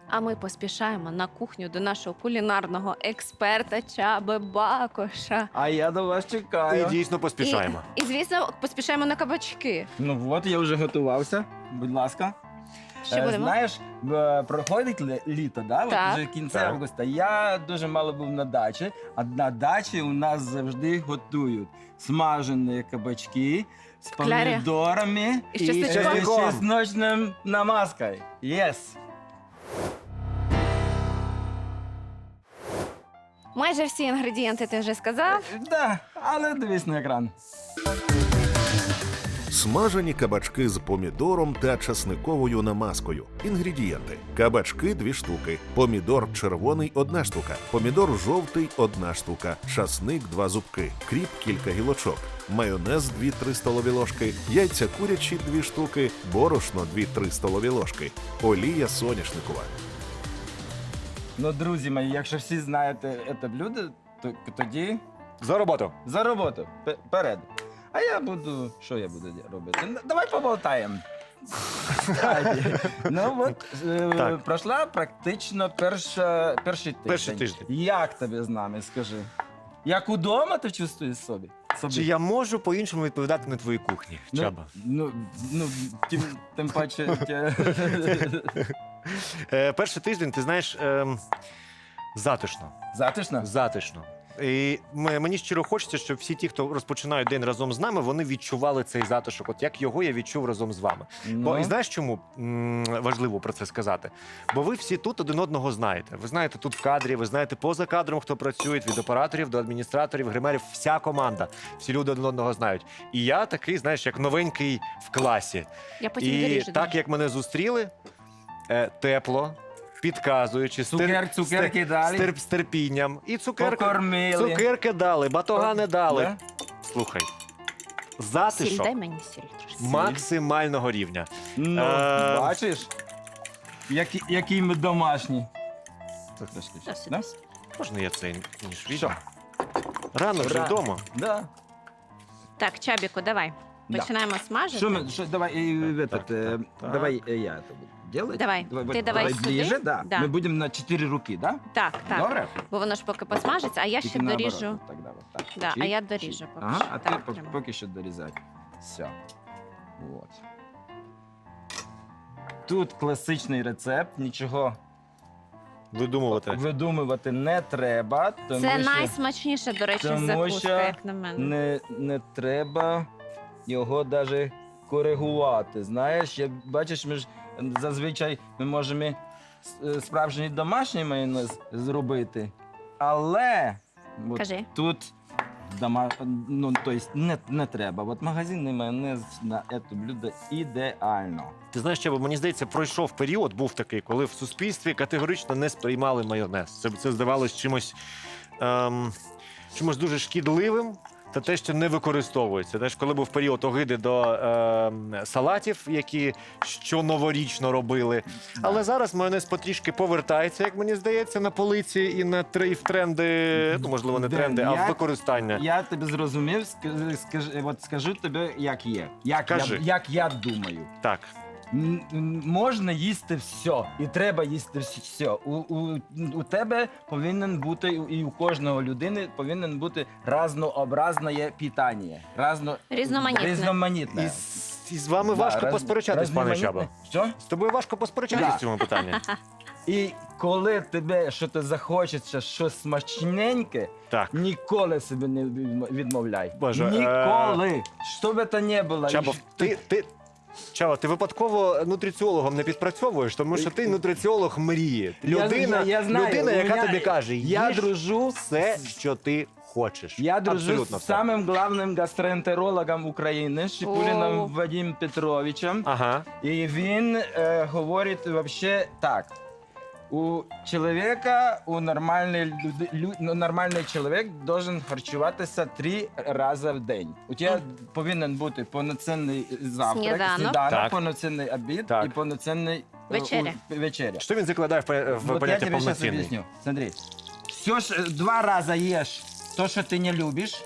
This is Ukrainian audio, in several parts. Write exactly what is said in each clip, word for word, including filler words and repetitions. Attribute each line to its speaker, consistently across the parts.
Speaker 1: А ми поспішаємо на кухню до нашого кулінарного експерта Чаби Бакоша.
Speaker 2: А я до вас
Speaker 3: І
Speaker 2: чекаю.
Speaker 3: дійсно поспішаємо.
Speaker 1: І, і, звісно, поспішаємо на кабачки.
Speaker 2: Ну от, я вже готувався. Будь ласка.
Speaker 1: Що
Speaker 2: Е,
Speaker 1: будемо?
Speaker 2: Знаєш, е, проходить лі- літо, да? От
Speaker 1: Так.
Speaker 2: вже кінця
Speaker 3: Так.
Speaker 2: августа. Я дуже мало був на дачі, а на дачі у нас завжди готують смажені кабачки з
Speaker 1: клярі.
Speaker 2: помідорами
Speaker 1: І з чесничком?
Speaker 2: е,
Speaker 3: чесником.
Speaker 2: чесночним намазкою. Yes.
Speaker 1: Майже всі інгредієнти ти вже сказав.
Speaker 2: Е, Да, але дивись на екран.
Speaker 4: Смажені кабачки з помідором та часниковою намазкою. Інгредієнти: кабачки дві штуки, помідор червоний одна штука, помідор жовтий одна штука, часник два зубки, кріп кілька гілочок, майонез дві-три столові ложки, яйця курячі дві штуки, борошно дві-три столові ложки, олія соняшникова.
Speaker 2: Ну, друзі мої, якщо всі знаєте це блюдо, то тоді
Speaker 3: За роботу.
Speaker 2: за роботу. П- Перед. А я буду. Що я буду робити? Ну, давай поболтаємо. Кстати, ну от е,
Speaker 3: Так.
Speaker 2: пройшла практично перша, перший тиждень.
Speaker 3: Перший тиждень.
Speaker 2: Як тобі з нами, скажи? Як удома ти чувствуєш собі? собі?
Speaker 3: Чи я можу по-іншому відповідати на твоїй кухні,
Speaker 2: ну,
Speaker 3: Чаба?
Speaker 2: Ну, ну тим, тим паче. тя-
Speaker 3: Е, перший тиждень, ти знаєш, ем, затишно.
Speaker 2: Затишно?
Speaker 3: Затишно. І м- мені щиро хочеться, щоб всі ті, хто розпочинають день разом з нами, вони відчували цей затишок, от як його я відчув разом з вами. Бо
Speaker 2: Ну.
Speaker 3: і знаєш, чому м, важливо про це сказати? Бо ви всі тут один одного знаєте. Ви знаєте тут в кадрі, ви знаєте поза кадром, хто працює, від операторів до адміністраторів, гримерів, вся команда. Всі люди один одного знають. І я такий, знаєш, як новенький в класі.
Speaker 1: Я потім
Speaker 3: І
Speaker 1: доріжу.
Speaker 3: так як мене зустріли, е, тепло, підказуючи, з тер-
Speaker 2: Цукер, цукерки
Speaker 3: з тер-
Speaker 2: дали?
Speaker 3: з тер- з терпінням. І цукерки,
Speaker 2: Покормили.
Speaker 3: цукерки дали, батогани дали.
Speaker 2: Да?
Speaker 3: Слухай,
Speaker 1: Сіль,
Speaker 3: затишок
Speaker 1: дай мені сіль трошки.
Speaker 3: максимального рівня.
Speaker 2: Ну,
Speaker 3: Е,
Speaker 2: бачиш? Які, які ми домашні.
Speaker 1: Досить,
Speaker 2: Да?
Speaker 1: досить.
Speaker 3: Можна я цей ніж
Speaker 2: Що?
Speaker 3: візьму? Рано вже
Speaker 2: Ра-
Speaker 3: вдома.
Speaker 2: Да.
Speaker 1: Так, Чабіку, давай.
Speaker 2: Да.
Speaker 1: Починаємо смажити.
Speaker 2: Что мы, что, давай, э, в этот,
Speaker 3: так,
Speaker 2: э,
Speaker 3: так.
Speaker 2: давай э, я это буду делать.
Speaker 1: Давай.
Speaker 2: вот
Speaker 1: Ты давай сюда.
Speaker 2: ближе, да.
Speaker 1: Да.
Speaker 2: Мы будем на четыре руки, да?
Speaker 1: Так, так.
Speaker 2: Добре?
Speaker 1: Бо воно ж поки посмажиться, а я ще
Speaker 2: Тільки наоборот,
Speaker 1: доріжу.
Speaker 2: от Тогда вот так.
Speaker 1: Да,
Speaker 2: Чик,
Speaker 1: а я
Speaker 2: чик.
Speaker 1: доріжу поки
Speaker 2: Ага,
Speaker 1: що.
Speaker 2: а
Speaker 1: Так,
Speaker 2: ты по-
Speaker 1: прямо.
Speaker 2: поки що дорізай. Все. Вот. Тут класичний рецепт, нічого
Speaker 3: Видумувати.
Speaker 2: видумувати не треба. Тому
Speaker 1: Це
Speaker 2: що
Speaker 1: найсмачніша, до речі,
Speaker 2: тому
Speaker 1: закуска,
Speaker 2: що
Speaker 1: як на мене.
Speaker 2: не, не треба його навіть коригувати. Знаєш, я, бачиш, ми ж зазвичай ми можемо с- справжній домашній майонез зробити, але от
Speaker 1: Кажи.
Speaker 2: тут дома, ну, то есть не, не треба. От магазинний майонез на це блюдо ідеально.
Speaker 3: Ти знаєш, що мені здається, пройшов період, був такий, коли в суспільстві категорично не сприймали майонез. Це, це здавалось чимось, ем, чимось дуже шкідливим. Та те, що не використовується. Знаєш, коли був період огиди до ем, салатів, які що новорічно робили. Але зараз майонез потрішки повертається, як мені здається, на полиці і на три в тренди, ну можливо, не
Speaker 2: Ден,
Speaker 3: тренди, а
Speaker 2: я-
Speaker 3: в використання.
Speaker 2: Я тебе зрозумів, скажи, скажи, от скажу тобі, як є. Як, я,
Speaker 3: Кажи.
Speaker 2: як я думаю.
Speaker 3: Так.
Speaker 2: М- м- Можна їсти все, і треба їсти все. У, у, у тебе повинен бути, і у кожного людини повинен бути разнообразне питання. Разно...
Speaker 1: Різноманітне.
Speaker 2: Різноманітне.
Speaker 3: І, з- і з вами
Speaker 2: Да,
Speaker 3: важко
Speaker 2: раз-
Speaker 3: посперечатись, пане
Speaker 2: різноманітне.
Speaker 3: Чаба.
Speaker 2: Що?
Speaker 3: З тобою важко посперечатись
Speaker 2: Да.
Speaker 3: в цьому питанні.
Speaker 2: І коли тебе щось захочеться, щось смачненьке,
Speaker 3: Так.
Speaker 2: ніколи себе не відм- відмовляй.
Speaker 3: Боже, е,
Speaker 2: Ніколи. Що б це не було.
Speaker 3: Чаба,
Speaker 2: І
Speaker 3: ти, ти, Чаба, ти випадково нутриціологом не підпрацьовуєш, тому що ти нутриціолог мрії.
Speaker 2: Я-
Speaker 3: Людина,
Speaker 2: я- я знаю,
Speaker 3: людина
Speaker 2: у
Speaker 3: яка
Speaker 2: мене-
Speaker 3: тобі каже,
Speaker 2: я
Speaker 3: їж
Speaker 2: дружу
Speaker 3: все,
Speaker 2: з-
Speaker 3: що ти хочеш.
Speaker 2: Я дружу
Speaker 3: Абсолютно
Speaker 2: з
Speaker 3: все.
Speaker 2: самим главним гастроентерологом України, Шипуліном
Speaker 1: О.
Speaker 2: Вадимом Петровичем.
Speaker 3: Ага.
Speaker 2: І він е, говорить вообще так. У чоловіка, у нормальний, люди, лю, ну, нормальний чоловік должен харчуватися три рази в день. У тебе повинен бути повноцінний завтрак,
Speaker 1: Сніданок.
Speaker 3: Так.
Speaker 2: повноцінний обід
Speaker 3: Так.
Speaker 2: і повноцінний е,
Speaker 1: Вечеря.
Speaker 2: у- вечеря.
Speaker 3: Що він закладає в, пе- в
Speaker 2: Вот я
Speaker 3: поняття
Speaker 2: тебе сейчас
Speaker 3: повноцінний?
Speaker 2: объясню. Смотри. Все ж э, два раза ешь то, что ты не любишь.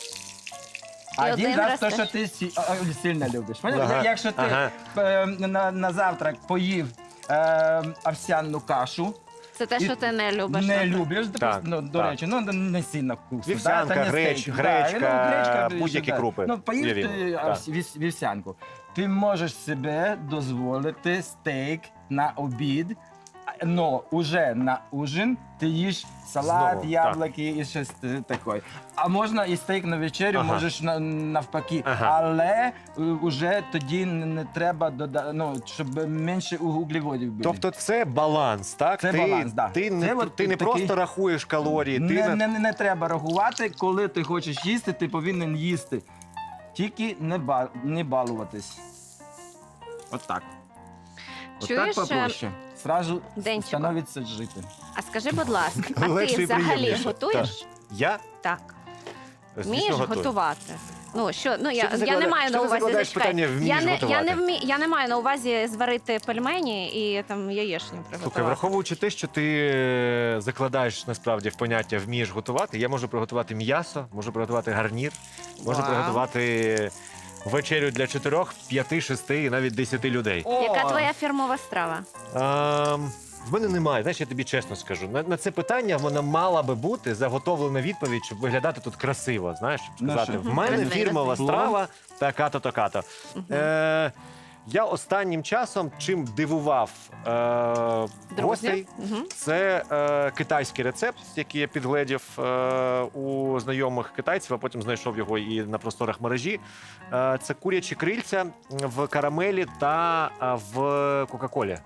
Speaker 1: І
Speaker 2: Один
Speaker 1: один
Speaker 2: раз
Speaker 1: раз
Speaker 2: то,
Speaker 1: теж.
Speaker 2: що ти сі- а, а, сильно любиш. Поняв?
Speaker 3: Ага,
Speaker 2: Якщо ти
Speaker 3: ага.
Speaker 2: е, на, на завтрак поїв е, овсяну кашу.
Speaker 1: Це те,
Speaker 2: І
Speaker 1: що ти не любиш.
Speaker 2: Не
Speaker 1: напевно.
Speaker 2: любиш,
Speaker 3: Так,
Speaker 2: ну, до
Speaker 3: так.
Speaker 2: речі, ну не сильно вкусно.
Speaker 3: Вівсянка,
Speaker 2: та не
Speaker 3: греч-
Speaker 2: стейк.
Speaker 3: гречка,
Speaker 2: Да, ну, гречка,
Speaker 3: будь-які
Speaker 2: да.
Speaker 3: крупи.
Speaker 2: Ну, поїж
Speaker 3: Уявімо,
Speaker 2: ти
Speaker 3: так.
Speaker 2: овс- віс- вівсянку. Ти можеш себе дозволити стейк на обід, але уже на ужин ти їш салат,
Speaker 3: Знову,
Speaker 2: яблуки і щось е, таке. А можна і стейк на вечерю,
Speaker 3: Ага.
Speaker 2: можеш на, навпаки.
Speaker 3: Ага.
Speaker 2: Але вже тоді не, не треба додати, ну, щоб менше углеводів було.
Speaker 3: Тобто це баланс, так?
Speaker 2: Це
Speaker 3: ти,
Speaker 2: баланс, да.
Speaker 3: Ти не,
Speaker 2: Це от
Speaker 3: ти не
Speaker 2: такий-
Speaker 3: просто рахуєш калорії, ти
Speaker 2: Не,
Speaker 3: на-
Speaker 2: не, не треба рахувати, коли ти хочеш їсти, ти повинен їсти. Тільки не, ба, не балуватись. От так. От
Speaker 1: Чуєш,
Speaker 2: так попроще. Сразу
Speaker 1: Денчику?
Speaker 2: становиться жити.
Speaker 1: А скажи, будь ласка, а
Speaker 3: Легше
Speaker 1: ти
Speaker 3: і
Speaker 1: взагалі
Speaker 3: приємніше.
Speaker 1: готуєш?
Speaker 3: Я
Speaker 1: Так.
Speaker 3: звісно,
Speaker 1: Вмієш
Speaker 3: готую.
Speaker 1: готувати? Ну що, ну я,
Speaker 3: Що ти
Speaker 1: я не
Speaker 3: заклада-
Speaker 1: маю
Speaker 3: що
Speaker 1: на
Speaker 3: ти
Speaker 1: увазі
Speaker 3: закладаєш
Speaker 1: зачекай.
Speaker 3: питання, вмієш
Speaker 1: Я не, я
Speaker 3: готувати?
Speaker 1: не вмі, я не маю на увазі зварити пельмені і там яєчню
Speaker 3: Слухай,
Speaker 1: приготувати.
Speaker 3: враховуючи те, що ти е, закладаєш насправді в поняття вмієш готувати, я можу приготувати м'ясо, можу приготувати гарнір, можу
Speaker 1: Вау.
Speaker 3: приготувати вечерю для чотирьох, п'яти, шести і навіть десяти людей.
Speaker 1: Яка
Speaker 2: О,
Speaker 1: твоя фірмова страва?
Speaker 3: Ем, в мене немає, знаєш, я тобі чесно скажу. На, на це питання вона мала би бути заготовлена відповідь, щоб виглядати тут красиво. Знаєш, щоб
Speaker 2: Ну,
Speaker 3: сказати,
Speaker 2: що?
Speaker 3: в мене
Speaker 1: Красиво.
Speaker 3: фірмова
Speaker 2: Плов.
Speaker 3: страва така-то, така-то. Е, я останнім часом чим дивував е, гостей,
Speaker 1: Друзі? Угу.
Speaker 3: це е, китайський рецепт, який я підгледів е, у знайомих китайців, а потім знайшов його і на просторах мережі. Е, це курячі крильця в карамелі та е, в Кока-Колі.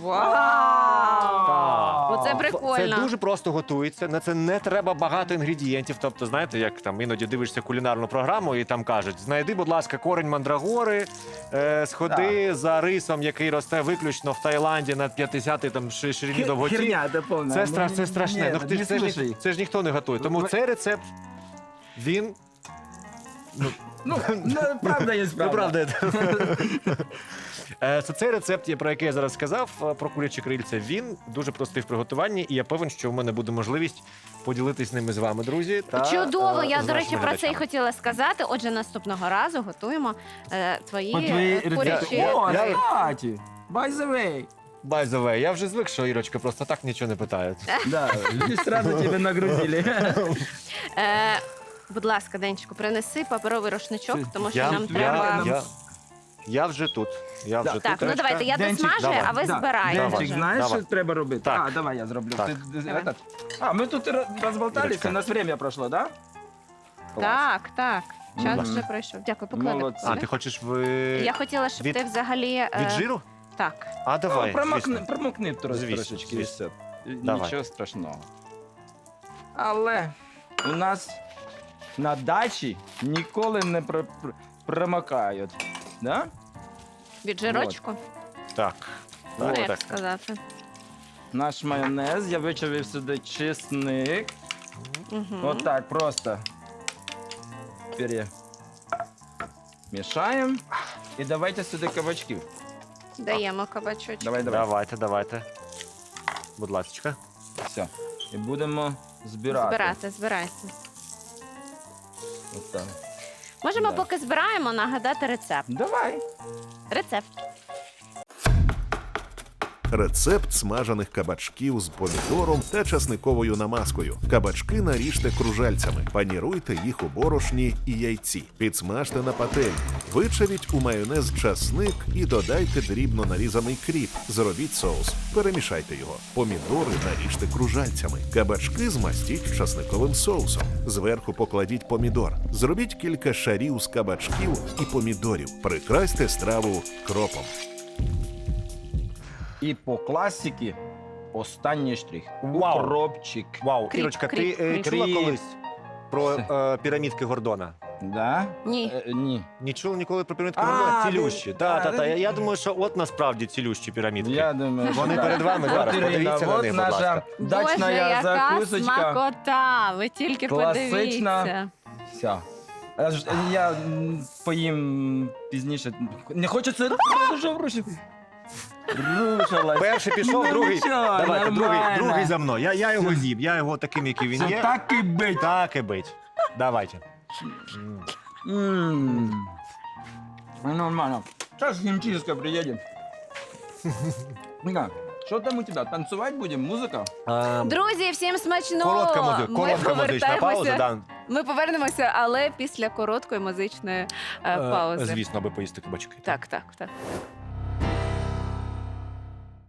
Speaker 1: Вау!
Speaker 3: Так.
Speaker 1: Оце
Speaker 3: В-
Speaker 1: прикольно.
Speaker 3: Це дуже просто готується. На це не треба багато інгредієнтів. Тобто, знаєте, як там іноді дивишся кулінарну програму, і там кажуть: знайди, будь ласка, корень мандрагори, е, сходи за рисом, який росте виключно в Таїланді на п'ятдесятій там ши- ширині довготі.
Speaker 2: Херня, це повна.
Speaker 3: Це,
Speaker 2: Ну,
Speaker 3: стра... це страшне.
Speaker 2: ні,
Speaker 3: ну, ти,
Speaker 2: не
Speaker 3: ж- це, ж, ні-
Speaker 2: слушай.
Speaker 3: це ж ніхто не готує. Тому
Speaker 2: Ви-
Speaker 3: цей рецепт він.
Speaker 2: Ну, ну, правда є
Speaker 3: Ну,
Speaker 2: правда.
Speaker 3: правда. Е, Це цей рецепт, я- про який я зараз сказав, е, про курячі крильця. Він дуже простий в приготуванні, і я певен, що в мене буде можливість поділитись ними з вами, друзі. Та,
Speaker 1: Чудово,
Speaker 3: е,
Speaker 1: я,
Speaker 3: з
Speaker 1: до речі,
Speaker 3: нашими
Speaker 1: про це і
Speaker 3: глядачами.
Speaker 1: хотіла сказати. Отже, наступного разу готуємо е, твої,
Speaker 2: По твоїй
Speaker 1: е,
Speaker 2: рецепті.
Speaker 1: курячі.
Speaker 2: О,
Speaker 3: Я-
Speaker 2: кстати, by the way.
Speaker 3: By the way, я вже звик, що Ірочка просто так нічого не питає.
Speaker 2: Да, сразу тебе нагрузили.
Speaker 1: Е, будь ласка, Денчику, принеси паперовий рушничок, тому що
Speaker 3: Я,
Speaker 1: нам
Speaker 3: я,
Speaker 1: треба.
Speaker 3: я, я вже тут. Я вже
Speaker 2: Да.
Speaker 3: тут.
Speaker 1: Так, ну
Speaker 3: Ірочка.
Speaker 1: давайте, я
Speaker 2: Денчик,
Speaker 1: досмажую,
Speaker 3: давай.
Speaker 1: а ви
Speaker 2: Да.
Speaker 1: збираєте.
Speaker 2: Денчик,
Speaker 1: вже.
Speaker 2: знаєш,
Speaker 3: Давай.
Speaker 2: що треба робити?
Speaker 3: Так.
Speaker 2: А, давай я зроблю.
Speaker 3: Так.
Speaker 2: Ти- ти-
Speaker 1: Давай.
Speaker 2: этот. А, ми тут роз- розболталися,
Speaker 3: Ірочка.
Speaker 2: у нас время пройшло, да? Клас.
Speaker 1: Так, так. Час
Speaker 2: Мгм.
Speaker 1: вже пройшов. Дякую, поклади.
Speaker 2: Молодці.
Speaker 3: А, ти хочеш в...
Speaker 1: Я хотіла, щоб
Speaker 3: Від-
Speaker 1: ти взагалі. е,
Speaker 3: від жиру?
Speaker 1: Так.
Speaker 3: А, давай,
Speaker 2: Ну, промокни,
Speaker 3: звісно.
Speaker 2: промокни трош-
Speaker 3: Звісно,
Speaker 2: трошечки.
Speaker 3: звісно.
Speaker 2: і все.
Speaker 3: Давай.
Speaker 2: Нічого страшного. Але у нас на дачі ніколи не пр- пр- промокають. Да?
Speaker 1: Від жирочку,
Speaker 3: Так.
Speaker 1: ну,
Speaker 3: Так,
Speaker 1: як
Speaker 3: так.
Speaker 1: сказати.
Speaker 2: Наш майонез, я вичавив сюди чесник.
Speaker 1: Угу.
Speaker 2: Вот так просто перемешаем. І давайте сюди кабачків.
Speaker 1: Даємо кабачочок.
Speaker 2: Давай, давай.
Speaker 3: Давайте, давайте. Будь ласка.
Speaker 2: Все. І будемо збирати.
Speaker 1: Збирати, збирайте.
Speaker 2: От так.
Speaker 1: Можемо,
Speaker 2: Да.
Speaker 1: поки збираємо, нагадати рецепт.
Speaker 2: Давай.
Speaker 1: Рецепт.
Speaker 4: Рецепт смажених кабачків з помідором та часниковою намазкою. Кабачки наріжте кружальцями, паніруйте їх у борошні і яйці. Підсмажте на пательні. Вичавіть у майонез часник і додайте дрібно нарізаний кріп. Зробіть соус. Перемішайте його. Помідори наріжте кружальцями. Кабачки змастіть часниковим соусом. Зверху покладіть помідор. Зробіть кілька шарів з кабачків і помідорів. Прикрасьте страву кропом.
Speaker 2: І по класіки останній штрих.
Speaker 3: Вау.
Speaker 2: Укропчик.
Speaker 3: Вау,
Speaker 1: Кріп,
Speaker 3: Ірочка,
Speaker 1: кріп,
Speaker 3: ти е,
Speaker 1: кріп.
Speaker 3: чула
Speaker 2: Кріп.
Speaker 3: колись про е, пірамідки Гордона?
Speaker 2: Да?
Speaker 1: Ні.
Speaker 2: Е, ні.
Speaker 3: Не чула ніколи про пірамідки
Speaker 2: А,
Speaker 3: Гордона?
Speaker 2: ви-
Speaker 3: Цілющі.
Speaker 2: да,
Speaker 3: Так, так,
Speaker 2: да,
Speaker 3: так.
Speaker 2: да.
Speaker 3: Я думаю, що от насправді цілющі пірамідки.
Speaker 2: Я думаю,
Speaker 3: Вони
Speaker 2: що
Speaker 3: перед вами
Speaker 2: От,
Speaker 3: зараз.
Speaker 2: Ірина,
Speaker 3: Подивіться на
Speaker 2: от
Speaker 3: них, будь
Speaker 2: наша
Speaker 3: ласка.
Speaker 1: Боже,
Speaker 2: дачна
Speaker 1: яка
Speaker 2: закусочка.
Speaker 1: смакота! Ви тільки
Speaker 2: Класична.
Speaker 1: подивіться.
Speaker 2: Все. Я, ж- я м, поїм пізніше. Не хочеться дуже врушити. Рушилась.
Speaker 3: Перший пішов,
Speaker 2: Ну,
Speaker 3: другий.
Speaker 2: нічого,
Speaker 3: Давайте, другий,
Speaker 2: нормально.
Speaker 3: другий за мною. Я, я його з'їм, я його таким, який він
Speaker 2: Це
Speaker 3: є.
Speaker 2: так і бить.
Speaker 3: Так і бить. Давайте. М.
Speaker 2: М. Ну, нормально. Сейчас химчистка приедет. Да. Що там у тебе? Танцювати будемо? Музика?
Speaker 3: Ем,
Speaker 1: Друзі, всім смачно!
Speaker 3: Коротка музика,
Speaker 1: Ми
Speaker 3: коротка музична пауза.
Speaker 1: повертаємося-
Speaker 3: Да.
Speaker 1: Ми повернемося, але після короткої музичної е,
Speaker 3: Е,
Speaker 1: паузи.
Speaker 3: Звісно, аби поїсти кабачки.
Speaker 1: Так, так, так.